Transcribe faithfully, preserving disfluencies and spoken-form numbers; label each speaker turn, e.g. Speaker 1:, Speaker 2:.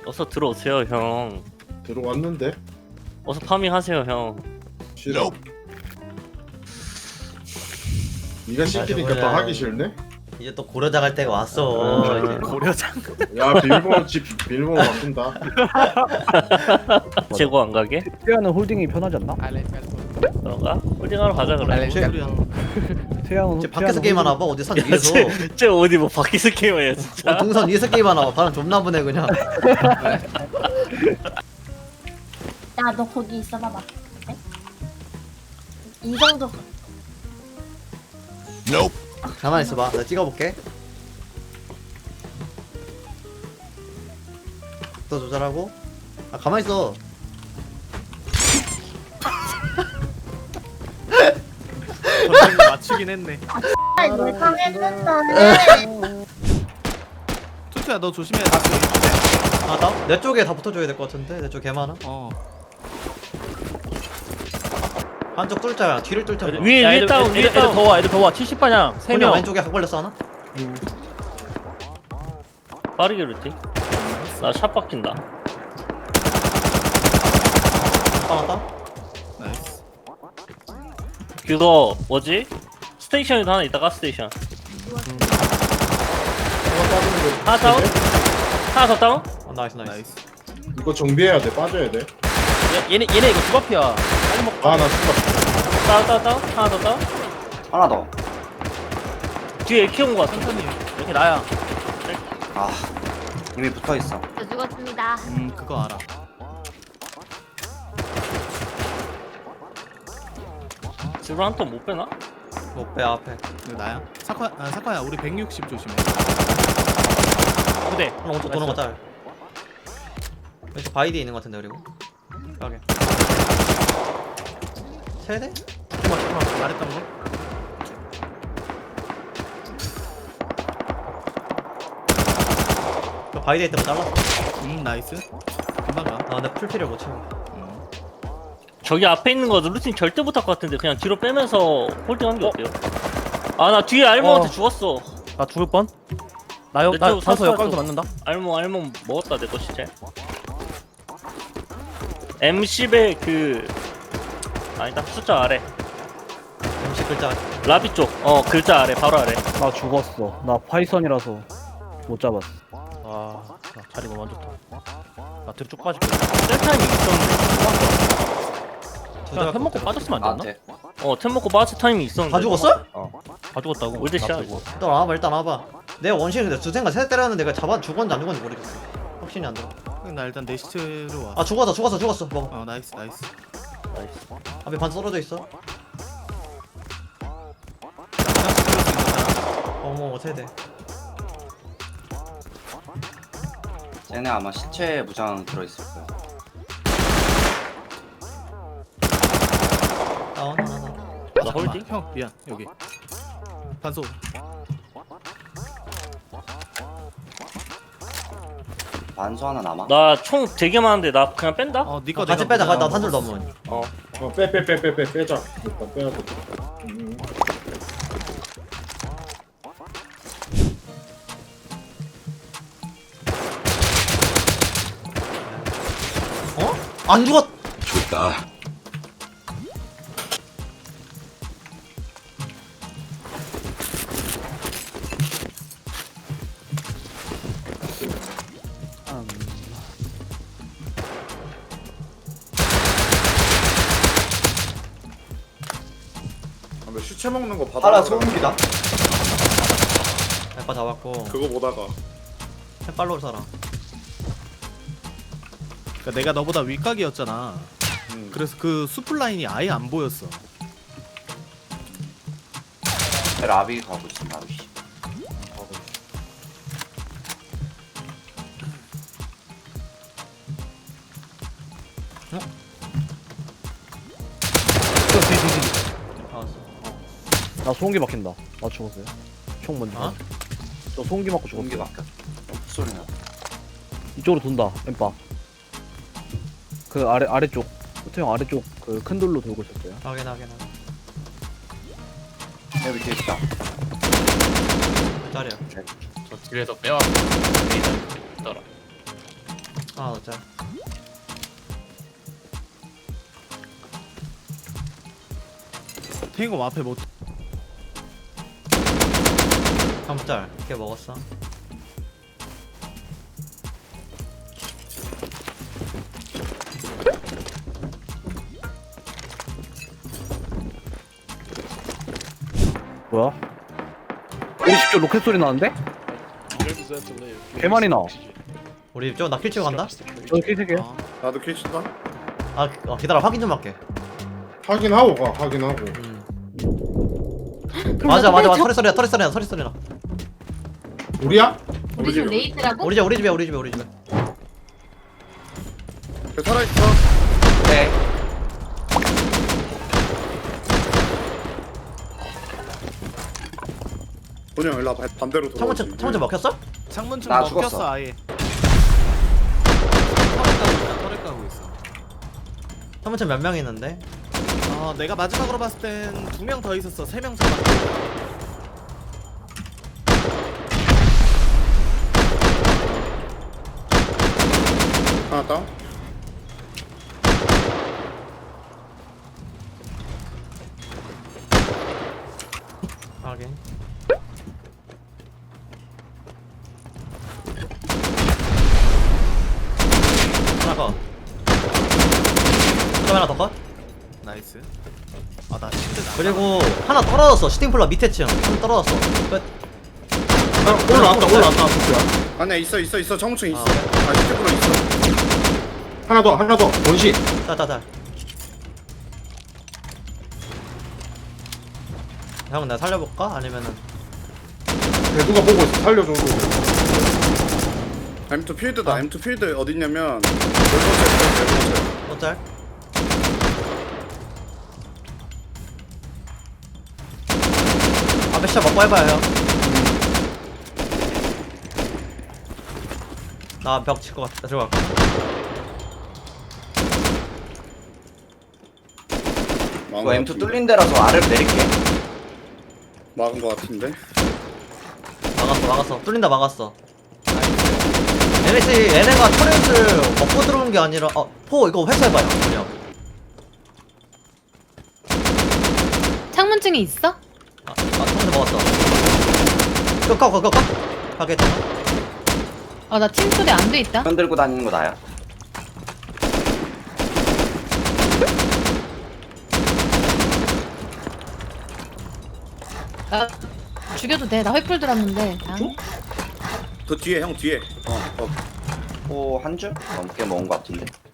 Speaker 1: 어서 들어오세요 형.
Speaker 2: 들어왔는데?
Speaker 1: 어서 파밍하세요 형.
Speaker 2: 싫어. 네가 시키니까
Speaker 3: 맞아,
Speaker 2: 더
Speaker 3: 맞아.
Speaker 2: 하기 싫네?
Speaker 3: 이제 또 고려자 갈 때가 왔어. 이제.
Speaker 4: 고려장.
Speaker 2: 야 비밀번호 집 비밀번호 바꾼다.
Speaker 1: 재고 안 가게?
Speaker 5: 태양은 홀딩이 편하지 않나?
Speaker 1: 너가? 홀딩하러 가자 그래.
Speaker 5: 태양은
Speaker 3: 이제 밖에서 게임하나 봐. 어디 산 위에서.
Speaker 1: 쟤, 쟤 어디 뭐 밖에서 게임해야 진짜.
Speaker 3: 어, 동산 위에서 게임하나 봐. 바람 존나 부네 그냥.
Speaker 6: 야, 너 거기 있어봐봐. 네? 이 정도.
Speaker 3: 가만히 있어봐. 내가 찍어볼게. 또 조절하고. 아 가만히 있어.
Speaker 4: 전쟁 맞추긴 했네.
Speaker 6: 아, 예상했는데.
Speaker 4: 투투야 너 조심해야 돼.
Speaker 3: 아 나? 내 쪽에 다 붙어줘야 될 것 같은데. 내 쪽 개 많아.
Speaker 4: 어.
Speaker 3: 한쪽 뚫자야. 뒤를 뚫자.
Speaker 1: 위에 위에 다운 위에 다운.
Speaker 7: 더와 애들 더와 칠십 방향 세
Speaker 3: 그냥
Speaker 7: 명.
Speaker 3: 왼쪽에 각 벌렸어 하나?
Speaker 1: 빠르게 루팅. 나샷 바뀐다.
Speaker 3: 하나
Speaker 4: 나이스.
Speaker 1: 그거 뭐지? 스테이션에도 하나 있다. 가스테이션. 하나 다운? 하나 더 다운?
Speaker 3: 어, 나이스 나이스.
Speaker 4: 나이스.
Speaker 2: 이거 정비해야 돼. 빠져야 돼.
Speaker 7: 얘, 얘네 얘네 이거 주바피야. 빨리 먹.
Speaker 2: 아나 죽었어.
Speaker 1: 다운 다운 다운. 하나 더 다운.
Speaker 8: 하나 더.
Speaker 1: 뒤에 키운 거 같아.
Speaker 4: 천천히.
Speaker 7: 이렇게 나야.
Speaker 8: 아 이미 붙어 있어.
Speaker 6: 저 죽었습니다.
Speaker 4: 음 그거 알아.
Speaker 1: 집으로 한 턴 못 빼나?
Speaker 3: 못빼 앞에.
Speaker 4: 이거 나야. 사카 아 사카야 우리 백육십 조심해.
Speaker 1: 그대.
Speaker 3: 하나 오른쪽 도는 거 짤. 왼쪽 바이디에 있는 거 같은데 그리고. 여기. 세대?
Speaker 4: 잠깐만 잠깐만 말했던 거.
Speaker 3: 저 바이디에 있던 거 잘랐어.
Speaker 4: 음 나이스. 금방 가.
Speaker 3: 아 근데 풀피를 못 채워.
Speaker 4: 음.
Speaker 1: 저기 앞에 있는 거 루팅 절대 못할 것 같은데 그냥 뒤로 빼면서 홀딩한 게 어때요? 아 나 뒤에 알모한테
Speaker 7: 어.
Speaker 1: 죽었어.
Speaker 7: 나 죽을 뻔. 나요
Speaker 1: 내
Speaker 7: 나
Speaker 1: 쪽
Speaker 7: 산소
Speaker 1: 샀어,
Speaker 7: 역광도
Speaker 1: 또.
Speaker 7: 맞는다.
Speaker 1: 알모 알모 먹었다 내 거 시체. 엠십의 그 아니다 숫자 아래.
Speaker 3: 음식 글자.
Speaker 1: 라비 쪽. 어 글자 아래 바로 아래.
Speaker 5: 나 죽었어. 나 파이썬이라서 못 잡았어.
Speaker 7: 아, 나 자리 너무 안 좋다. 나 뒤로 쭉 빠질게.
Speaker 1: 셀타임이 있었는데.
Speaker 7: 그냥 햄 먹고 빠졌으면 안 됐나?
Speaker 8: 나한테.
Speaker 1: 어 템 먹고 빠질 타임이 있었는데.
Speaker 3: 다 죽었어?
Speaker 7: 다 죽었다고.
Speaker 1: 올드
Speaker 7: 나
Speaker 1: 샷.
Speaker 7: 빼고.
Speaker 3: 일단 와봐 일단 와봐. 내 원신 근데 두생가 세 때렸는데 내가 잡아 죽었는지 안 죽었는지 모르겠어. 확신이 안 들어.
Speaker 4: 나 일단 내 시체로 와.
Speaker 3: 아 죽었어 죽었어 죽었어. 먹어.
Speaker 4: 어 나이스 나이스.
Speaker 1: 나이스.
Speaker 3: 앞에 반 떨어져 있어. 어머 세대.
Speaker 8: 쟤네 아마 시체 무장 들어있을 거야.
Speaker 3: 다운 하나 하나.
Speaker 1: 나 홀딩?
Speaker 4: 형 미안 여기. 반소.
Speaker 8: 반수 하나 남아.
Speaker 1: 나 총 되게 많은데 나 그냥 뺀다?
Speaker 4: 어 니꺼
Speaker 3: 같이 빼자. 나 탄술 넘은.
Speaker 2: 어 빼 빼 빼 빼 빼 빼자. 일단 빼야 돼. 음.
Speaker 3: 어? 안 죽었.
Speaker 9: 좋다.
Speaker 5: 음,
Speaker 2: 아, 나 시체 먹는 거 받아.
Speaker 8: 하나 소음기다.
Speaker 3: 해파 잡았고.
Speaker 2: 그거 보다가
Speaker 3: 해빨로 살아.
Speaker 4: 그러니까 내가 너보다 윗각이었잖아.
Speaker 2: 음.
Speaker 4: 그래서 그 수풀 라인이 아예 안 보였어.
Speaker 8: 라비 가고 있어. 라비.
Speaker 3: 알았어.
Speaker 5: 나 소음기 막힌다. 나 죽었어요. 총 먼저.
Speaker 3: 어?
Speaker 5: 저 소음기 맞고 죽었어.
Speaker 8: 공기 막혔. 소리 나.
Speaker 5: 이쪽으로 돈다. 엠빠. 그 아래 아래쪽. 호태형 아래쪽 그 큰 돌로 돌고 있었어요.
Speaker 3: 확인 확인 확인.
Speaker 8: 내 밑에 있다.
Speaker 3: 짤이야.
Speaker 10: 저 뒤에서 빼와.
Speaker 3: 아 하나 더 짤.
Speaker 4: 탱검 앞에 뭐
Speaker 3: 한번 짤. 이렇게 먹었어.
Speaker 5: 뭐야? 오십 조 로켓 소리 나는데? 개 많이 나.
Speaker 3: 우리 좀 나킬 치고 간다.
Speaker 5: 저 킬색이야.
Speaker 4: 아,
Speaker 2: 나도 킬친다.
Speaker 3: 아 어, 기다려 확인 좀 할게.
Speaker 2: 확인하고 가. 확인하고.
Speaker 3: 맞아 맞아 맞아 털이 소리야 털이 소리야 털이 소리나.
Speaker 2: 우리야?
Speaker 6: 우리 집 레이드라고?
Speaker 3: 우리 집 우리 집에 우리 집에 우리 집에.
Speaker 2: 그 살아있어.
Speaker 8: 네.
Speaker 2: 본영 일로 와. 반대로 돌아.
Speaker 3: 창문채 창문채 먹혔어?
Speaker 4: 창문층
Speaker 8: 나
Speaker 4: 먹혔어
Speaker 8: 죽었어.
Speaker 4: 아예. 털에 까고 있다. 털에 까고 있어.
Speaker 3: 창문채 몇 명 있는데?
Speaker 4: 어, 내가 마지막으로 봤을 땐 두 명 더 있었어. 세 명 잡았어.
Speaker 2: 하나 다운.
Speaker 3: 확인. 하나 컷. 좀 하나 더 컷.
Speaker 4: 나이스. 아, 나 침대 나.
Speaker 3: 그리고 하나 떨어졌어. 시팅플라 밑에 층. 한 떨어졌어. 끝.
Speaker 2: 올라왔다. 올라왔다. 아니야 있어 있어 있어. 정층 있어.
Speaker 3: 아,
Speaker 2: 아 시티프로 있어. 하나 더 하나 더. 원시.
Speaker 3: 따따따. 형 내가 살려볼까? 아니면은
Speaker 2: 누가 보고 있어. 살려줘. 엠 투 필드다. 엠 투 필드 어딨냐면 네 번째 네 번째.
Speaker 3: 또 짤? 앞에 시작 먹고 해봐요 형. 나 벽 칠 것 같아. 들어갈게.
Speaker 8: 이거 엠 투 뚫린 데라서 아래로 내릴게.
Speaker 2: 막은 거 같은데.
Speaker 3: 막았어 막았어. 뚫린다 막았어. 얘네씨 얘네가 터렛을 먹고 들어오는 게 아니라 어, 포 이거 회수해봐요 그냥.
Speaker 9: 창문증이 있어?
Speaker 3: 아, 아 성대 먹었어. 끄꺼 끄꺼 끄 가게 했잖아.
Speaker 9: 어, 나 침소리 안 돼 있다.
Speaker 8: 흔들고 다니는 거 나야.
Speaker 9: 나 죽여도 돼. 나 횃불 들었는데. 아.
Speaker 2: 더 뒤에 형 뒤에. 어. 어.
Speaker 8: 호 한 줄? 넘게 먹은 거 같은데.